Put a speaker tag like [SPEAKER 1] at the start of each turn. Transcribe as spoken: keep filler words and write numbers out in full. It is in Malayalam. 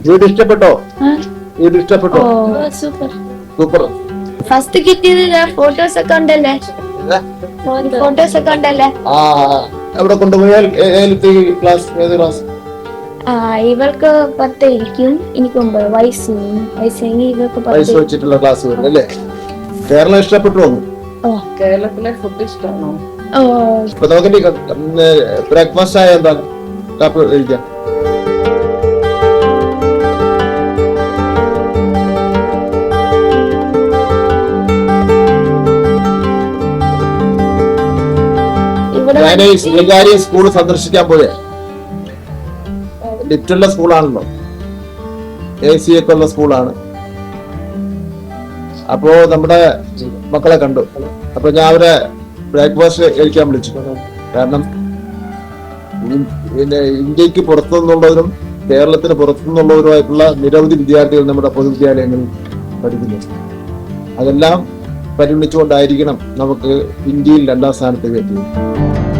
[SPEAKER 1] വീട് ഇഷ്ടപ്പെട്ടോ? വീട് ഇഷ്ടപ്പെട്ടോ?
[SPEAKER 2] Super
[SPEAKER 1] super.
[SPEAKER 2] ഫസ്റ്റ് കിട്ടിയത് ഫോട്ടോസ് ഒക്കെ ഉണ്ടല്ലേ? ഫോട്ടോസ് ഒക്കെ ഉണ്ടല്ലേ?
[SPEAKER 1] ആ എവിടെ കൊണ്ടുപോയാൽ ഏത് ക്ലാസ് ഏത് ക്ലാസ്?
[SPEAKER 2] ആ ഇവർക്ക് പത്തായിരിക്കും, എനിക്ക് ഒമ്പത് വയസ്സ് വയസ്സെങ്കിൽ ഇവർക്ക്
[SPEAKER 1] വയസ്സ് വെച്ചിട്ടുള്ള ക്ലാസ് വരും അല്ലേ? കേരളം ഇഷ്ടപ്പെട്ടു?
[SPEAKER 3] കേരളത്തിലെ ഫുഡ് ഇഷ്ടമാണോ?
[SPEAKER 2] ഓ
[SPEAKER 1] ഇപ്പൊ നമുക്ക് ബ്രേക്ക്ഫാസ്റ്റ് ആയ എന്താ കാപ്പി കഴിക്കാം? ഞാൻ ഈ സ്വകാര്യ സ്കൂൾ സന്ദർശിക്കാൻ പോയേ. ലിറ്റുള്ള സ്കൂളാണല്ലോ, എ സി ഒക്കെ ഉള്ള സ്കൂളാണ്. അപ്പോ നമ്മുടെ മക്കളെ കണ്ടു. അപ്പൊ ഞാൻ അവരെ ബ്രേക്ക്ഫാസ്റ്റ് കഴിക്കാൻ വിളിച്ചു. കാരണം പിന്നെ ഇന്ത്യക്ക് പുറത്തുനിന്നുള്ളവരും കേരളത്തിന് പുറത്തുനിന്നുള്ളവരുമായിട്ടുള്ള നിരവധി വിദ്യാർത്ഥികൾ നമ്മുടെ പൊതുവിദ്യാലയങ്ങളിൽ പഠിക്കുന്നു. അതെല്ലാം പരിഗണിച്ചുകൊണ്ടായിരിക്കണം നമുക്ക് ഇന്ത്യയിൽ രണ്ടാം സ്ഥാനത്തേക്ക് എത്തിയത്.